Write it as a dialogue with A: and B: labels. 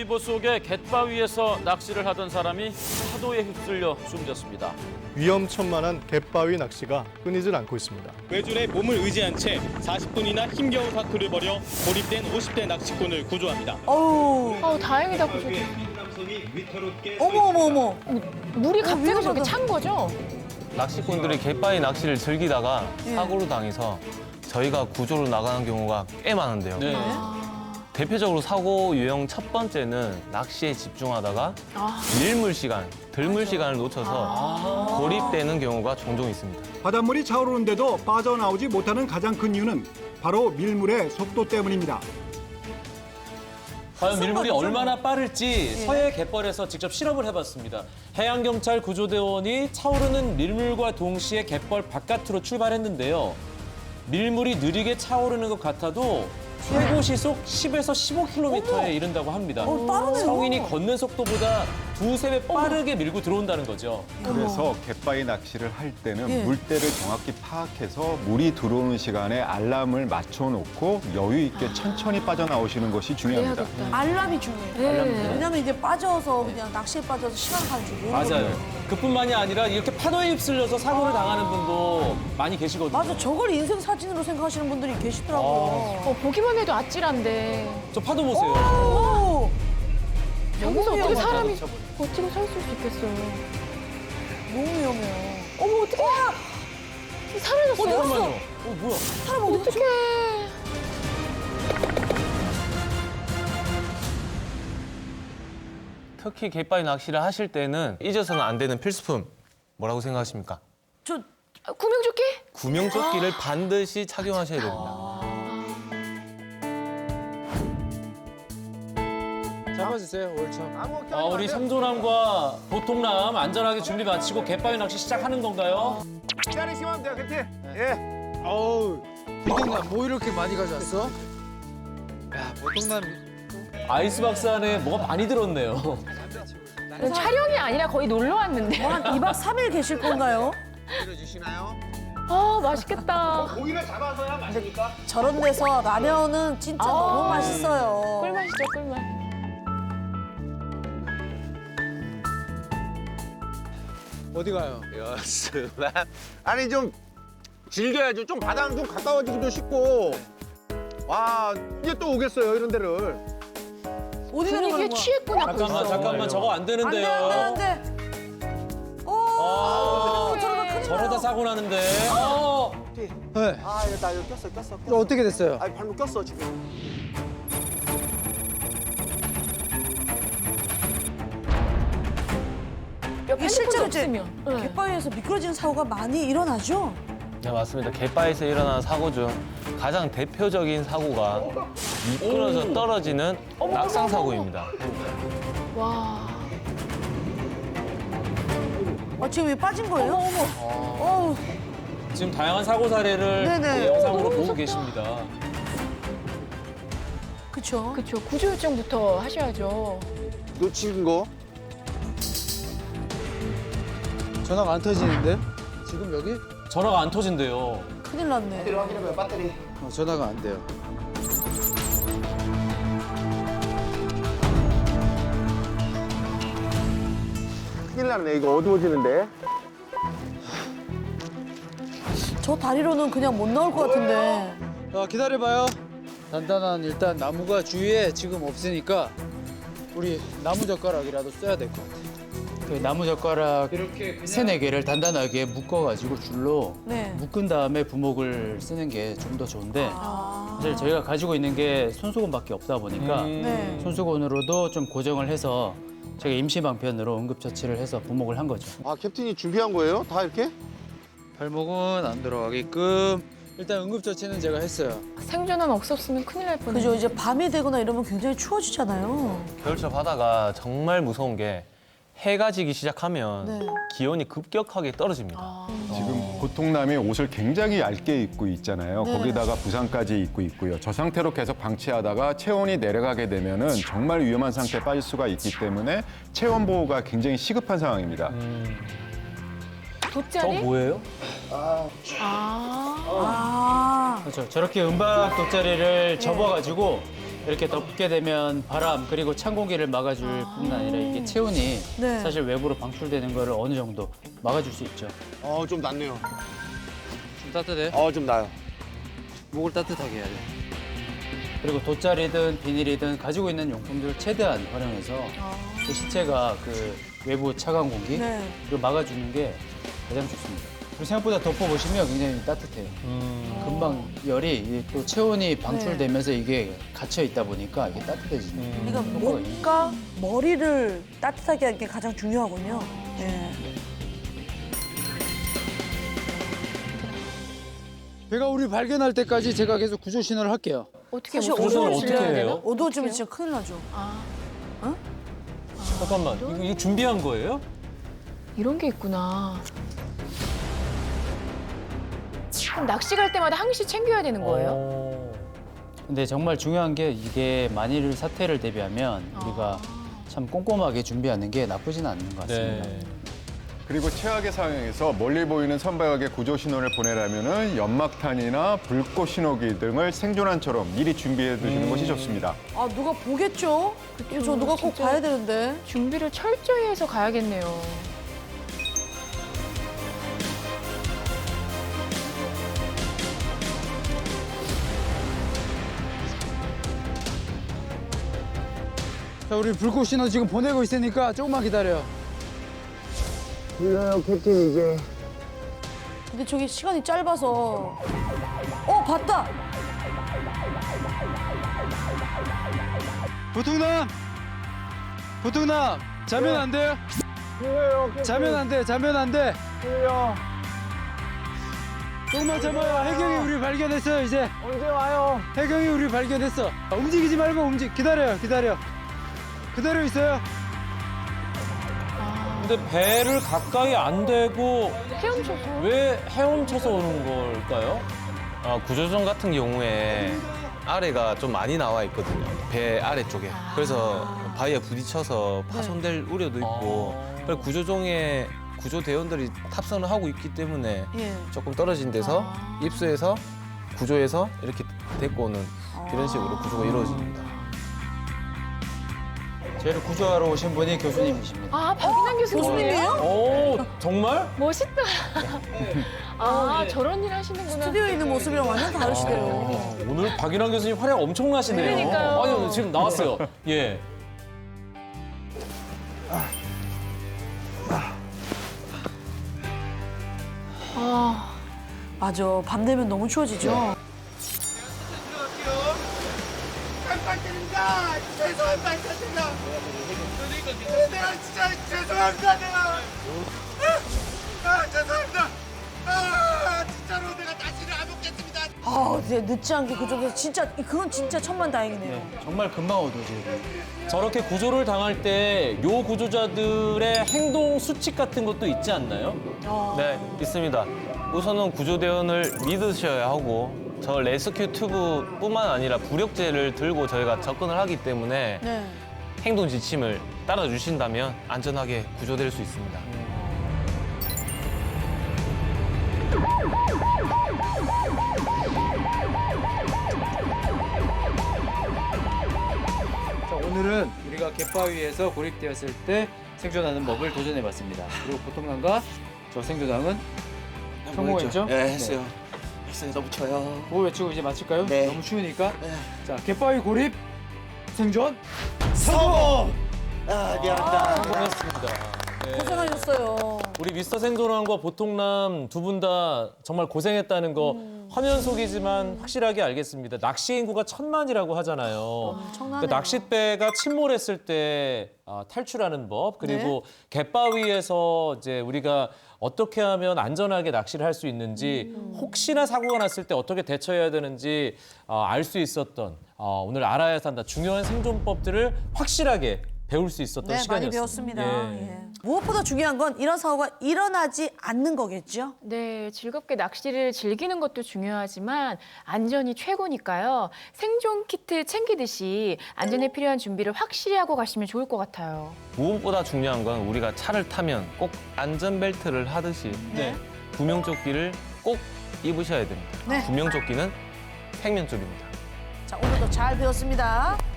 A: 일보 속에 갯바위에서 낚시를 하던 사람이 파도에 휩쓸려 숨졌습니다.
B: 위험천만한 갯바위 낚시가 끊이질 않고 있습니다.
C: 외줄에 몸을 의지한 채 40분이나 힘겨운 사투를 벌여 고립된 50대 낚시꾼을 구조합니다.
D: 어우, 다행이다, 구조대.
E: 어머.
D: 물이 갑자기 저렇게 찬 거죠?
F: 낚시꾼들이 갯바위 낚시를 즐기다가 사고로 당해서 저희가 구조로 나가는 경우가 꽤 많은데요.
A: 네.
F: 대표적으로 사고 유형 첫 번째는 낚시에 집중하다가 밀물 시간, 들물 시간을 놓쳐서 고립되는 경우가 종종 있습니다.
G: 바닷물이 차오르는데도 빠져나오지 못하는 가장 큰 이유는 바로 밀물의 속도 때문입니다.
H: 과연 밀물이 얼마나 빠를지 서해 갯벌에서 직접 실험을 해봤습니다. 해양경찰 구조대원이 차오르는 밀물과 동시에 갯벌 바깥으로 출발했는데요. 밀물이 느리게 차오르는 것 같아도 최고 시속 10에서 15km에 이른다고 합니다.
E: 빠르네요.
H: 성인이 걷는 속도보다 두세 배 빠르게 밀고 들어온다는 거죠.
I: 그래서 갯바위 낚시를 할 때는
E: 예.
I: 물때를 정확히 파악해서 물이 들어오는 시간에 알람을 맞춰놓고 여유 있게 천천히 빠져나오시는 것이 중요합니다.
E: 알람이 중요해요. 왜냐면 이제 빠져서 그냥 낚시에 빠져서 시간 가지고.
H: 맞아요. 그뿐만이 아니라 이렇게 파도에 휩쓸려서 사고를 당하는 분도 많이 계시거든요.
E: 맞아, 저걸 인생 사진으로 생각하시는 분들이 계시더라고요.
D: 보기만 해도 아찔한데.
H: 저 파도 보세요.
E: 오!
D: 여기서 어떻게
E: 위험하다.
D: 사람이 버티고 서 있을 수 있겠어요.
E: 너무 위험해요.
D: 어머, 어떡해. 사라졌어요.
E: 어디
H: 뭐야?
E: 사람 어디
D: 어떡해.
F: 특히 갯바위 낚시를 하실 때는 잊어서는 안 되는 필수품 뭐라고 생각하십니까?
E: 저
D: 구명조끼?
F: 구명조끼를 반드시 착용하셔야 됩니다.
J: 잡아주세요, 월참.
H: 우리 삼조남과 보통남 안전하게 준비 마치고 갯바위 낚시 시작하는 건가요?
J: 기다리시면 돼요, 그치? 예. 어우, 보통남 뭐 이렇게 많이 가져왔어? 야, 보통남.
H: 아이스박스 안에 뭐가 많이 들었네요.
D: 촬영이 아니라 거의 놀러 왔는데.
E: 한 2박 3일 계실 건가요?
J: 들어주시나요?
D: 맛있겠다.
J: 고기를 잡아서야 맛입니까?
E: 저런 데서 라면은 진짜 너무 맛있어요.
D: 꿀맛이죠, 꿀맛.
J: 어디 가요?
K: 아니 좀 즐겨야죠. 좀 바다랑 좀 가까워지기도 쉽고. 와 이제 또 오겠어요 이런 데를.
E: 어디 가는
D: 분위기에
E: 거야?
D: 취했구나, 벌써.
H: 잠깐만 저거 안
E: 안 돼,
H: 되는데요.
E: 안 돼, 안 돼. 오, 저러다 큰일
H: 저러다
E: 나요.
H: 사고 나는데.
J: 네.
K: 아 이거 나 이거 꼈어.
J: 이거 어떻게 됐어요?
K: 아 발목 꼈어 지금.
E: 이게 실제로 이제
D: 없으면. 네.
E: 갯바위에서 미끄러지는 사고가 많이 일어나죠?
F: 네, 맞습니다. 갯바위에서 일어나는 사고 중 가장 대표적인 사고가 미끄러져 떨어지는 낙상 사고입니다.
D: 와.
E: 지금 왜 빠진 거예요? 어머.
H: 지금 다양한 사고 사례를
E: 네네.
H: 영상으로
D: 너무
H: 보고
D: 무섭다.
H: 계십니다.
E: 그쵸.
D: 그쵸, 구조 요청부터 하셔야죠.
K: 놓친 거.
J: 전화가 안 터지는데? 지금 여기?
H: 전화가 안 터진대요.
E: 큰일 났네.
K: 확인해봐요 배터리.
J: 전화가 안 돼요.
K: 큰일 났네 이거 어두워지는데.
E: 저 다리로는 그냥 못 나올 것 같은데.
J: 기다려봐요. 단단한 일단 나무가 주위에 지금 없으니까 우리 나무젓가락이라도 써야 될 것 같아. 그 나무젓가락 세네 개를 단단하게 묶어가지고 줄로
E: 네.
J: 묶은 다음에 부목을 쓰는 게 좀 더 좋은데 사실 저희가 가지고 있는 게 손수건밖에 없다 보니까
E: 네.
J: 손수건으로도 좀 고정을 해서 제가 임시 방편으로 응급처치를 해서 부목을 한 거죠.
K: 아 캡틴이 준비한 거예요? 다 이렇게?
J: 발목은 안 들어가게끔 일단 응급처치는 제가 했어요.
D: 생존은 없었으면 큰일 날 뻔했네.
E: 그죠. 이제 밤이 되거나 이러면 굉장히 추워지잖아요.
F: 겨울철 바다가 정말 무서운 게 해가 지기 시작하면
E: 네.
F: 기온이 급격하게 떨어집니다.
I: 지금 보통남이 옷을 굉장히 얇게 입고 있잖아요.
E: 네.
I: 거기다가 부상까지 입고 있고요. 저 상태로 계속 방치하다가 체온이 내려가게 되면은 정말 위험한 상태에 빠질 수가 있기 때문에 체온 보호가 굉장히 시급한 상황입니다.
D: 돗자리?
H: 뭐예요?
E: 아.
J: 그렇죠. 저렇게 은박 돗자리를 접어가지고 이렇게 덮게 되면 바람 그리고 찬 공기를 막아줄 뿐만 아니라 이게 체온이
E: 네.
J: 사실 외부로 방출되는 거를 어느 정도 막아줄 수 있죠.
K: 좀 낫네요.
J: 좀 따뜻해?
K: 좀 나요.
J: 목을 따뜻하게 해야 돼. 그리고 돗자리든 비닐이든 가지고 있는 용품들을 최대한 활용해서 그 시체가 그 외부 차가운 공기
E: 네.
J: 를 막아주는 게 가장 좋습니다. 그리고 생각보다 덮어보시면 굉장히 따뜻해요. 금방 열이 또 체온이 방출되면서 이게 갇혀 있다 보니까 이게 따뜻해지는
E: 그러니까 목과 머리를 따뜻하게 하는 게 가장 중요하군요. 네.
J: 배가 우리 발견할 때까지 제가 계속 구조 신호를 할게요.
D: 어떻게
E: 사실
H: 구조를
E: 어두워지면
H: 어떻게
E: 질러야
H: 해요?
E: 되나? 어두워지면 진짜 큰일 나죠.
H: 잠깐만, 이거 준비한 거예요?
D: 이런 게 있구나. 그럼 낚시 갈 때마다 항시 챙겨야 되는 거예요?
J: 근데 정말 중요한 게 이게 만일 사태를 대비하면 우리가 참 꼼꼼하게 준비하는 게 나쁘진 않는 것 같습니다.
H: 네.
I: 그리고 최악의 상황에서 멀리 보이는 선박에게 구조 신호를 보내려면은 연막탄이나 불꽃 신호기 등을 생존한처럼 미리 준비해 두시는 것이 좋습니다.
E: 아, 누가 보겠죠? 저 누가 꼭
D: 진짜.
E: 봐야 되는데.
D: 준비를 철저히 해서 가야겠네요.
J: 자, 우리 불꽃 신호 지금 보내고 있으니까 조금만 기다려.
E: 근데 저기 시간이 짧아서. 봤다!
J: 보통남! 보통남! 자면 안 돼요? 자면 안 돼, 자면 안 돼. 조금만 참아요. 해경이 우리 발견했어요, 이제. 언제 와요? 해경이 우리 발견했어. 움직이지 말고 기다려요, 기다려. 그대로 있어요.
H: 근데 배를 가까이 안 대고
D: 헤엄쳐서.
H: 왜 헤엄쳐서 오는 걸까요?
F: 구조선 같은 경우에 아래가 좀 많이 나와 있거든요. 배 아래쪽에. 그래서 바위에 부딪혀서 파손될 우려도 있고 그리고 구조종에 구조대원들이 탑승을 하고 있기 때문에
E: 예.
F: 조금 떨어진 데서 입수해서 구조해서 이렇게 데리고 오는 이런 식으로 구조가 이루어집니다.
J: 저희를 구조하러 오신 분이 교수님이십니다.
D: 아, 박인환 교수님이에요?
H: 오, 정말?
D: 멋있다. 저런 일 하시는구나.
E: 스튜디오에 있는 모습이랑 완전 다르시대요.
H: 오늘 박인환 교수님 활약 엄청나시네요.
D: 그러니까요.
H: 아니, 지금 나왔어요. 예.
E: 맞아. 밤 되면 너무 추워지죠?
K: 깜빡입니다. 죄송합니다. 내가 진짜 죄송합니다. 내가. 죄송합니다. 진짜로 내가 다시는 안 먹겠습니다.
E: 이제 늦지 않게 그쪽에서 진짜, 그건 진짜 천만다행이네요.
J: 정말 금방 어두워져요.
H: 저렇게 구조를 당할 때 요 구조자들의 행동 수칙 같은 것도 있지 않나요?
F: 네, 있습니다. 우선은 구조대원을 믿으셔야 하고 저 레스큐 튜브뿐만 아니라 부력제를 들고 저희가 접근을 하기 때문에
E: 네.
F: 행동 지침을 따라주신다면 안전하게 구조될 수 있습니다.
J: 자, 오늘은 우리가 갯바위에서 고립되었을 때 생존하는 법을 도전해봤습니다. 그리고 보통남과 저 생존왕은 성공했죠?
K: 네, 했어요. 했어요. 너무 쳐요.
J: 그거 외치고 이제 마칠까요?
K: 네.
J: 너무 추우니까. 자, 갯바위 고립 생존.
K: 성공! 미안합니다.
H: 성공했습니다. 네.
E: 고생하셨어요.
H: 우리 미스터 생존왕과 보통남 두 분 다 정말 고생했다는 거 화면 속이지만 확실하게 알겠습니다. 낚시 인구가 1000만이라고 하잖아요.
E: 엄청나네요.
H: 그러니까 낚싯배가 침몰했을 때 탈출하는 법 그리고 갯바위에서 이제 우리가 어떻게 하면 안전하게 낚시를 할 수 있는지 혹시나 사고가 났을 때 어떻게 대처해야 되는지 알 수 있었던 오늘 알아야 한다 중요한 생존법들을 확실하게 배울 수 있었던
E: 네,
H: 시간이었습니다.
E: 많이 배웠습니다.
H: 예.
E: 예. 무엇보다 중요한 건 이런 사고가 일어나지 않는 거겠죠?
D: 네, 즐겁게 낚시를 즐기는 것도 중요하지만 안전이 최고니까요. 생존 키트 챙기듯이 안전에 필요한 준비를 확실히 하고 가시면 좋을 것 같아요.
F: 무엇보다 중요한 건 우리가 차를 타면 꼭 안전벨트를 하듯이
H: 네.
F: 구명조끼를 꼭 입으셔야 됩니다.
E: 네.
F: 구명조끼는 생명줄입니다.
E: 자, 오늘도 잘 배웠습니다.